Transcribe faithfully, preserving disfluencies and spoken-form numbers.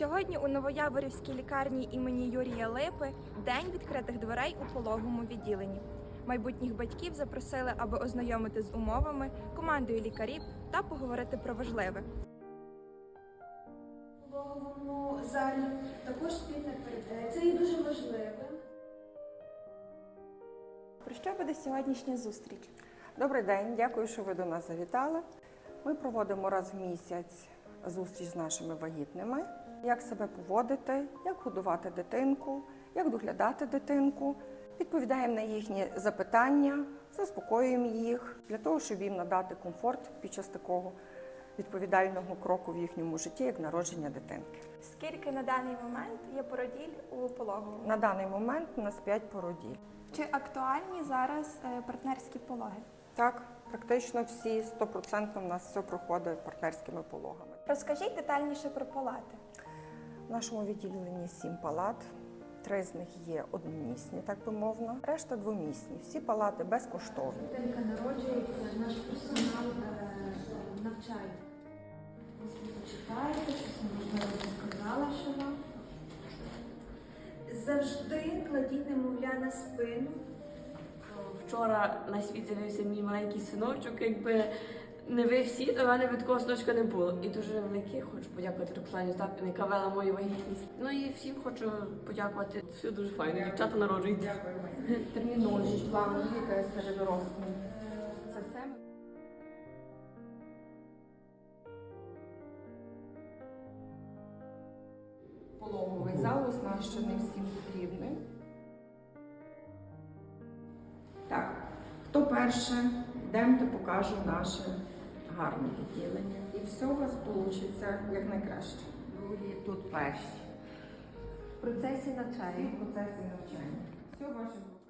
Сьогодні у Новояворівській лікарні імені Юрія Липи день відкритих дверей у пологовому відділенні. Майбутніх батьків запросили, аби ознайомити з умовами, командою лікарів та поговорити про важливе. У пологовому залі також спільна передача. Це є дуже важливим. Про що буде сьогоднішня зустріч? Добрий день, дякую, що ви до нас завітали. Ми проводимо раз в місяць зустріч з нашими вагітними. Як себе поводити, як годувати дитинку, як доглядати дитинку. Відповідаємо на їхні запитання, заспокоюємо їх, для того, щоб їм надати комфорт під час такого відповідального кроку в їхньому житті, як народження дитинки. Скільки на даний момент є породіль у пологовому? На даний момент у нас п'ять породіль. Чи актуальні зараз партнерські пологи? Так, практично всі, сто відсотків у нас все проходить партнерськими пологами. Розкажіть детальніше про палати. В нашому відділенні сім палат, три з них є одномісні, так би мовно, решта двомісні. Всі палати безкоштовні. Дитинка народжується, наш персонал е, навчає. Ви почитаєте, щось можливо сказала, що вам. Завжди кладіть немовля на спину. Вчора на світ з'явився мій маленький синочок, якби не ви всі, то в мене би такого синочка не було. І дуже велике хочу подякувати Роксані Остапівні, яка вела мою вагітність. Ну і всім хочу подякувати. Все дуже файно, дівчата народжуються. Термінологія, план, ліка, серед дорослих. Це все. Пологовий зал оснащений всім потрібним. Так, хто перше, йдемте, покажу наше гарне відділення. І все у вас вийде як найкраще. Ви тут перші. В процесі навчання. В процесі навчання. Все ваше.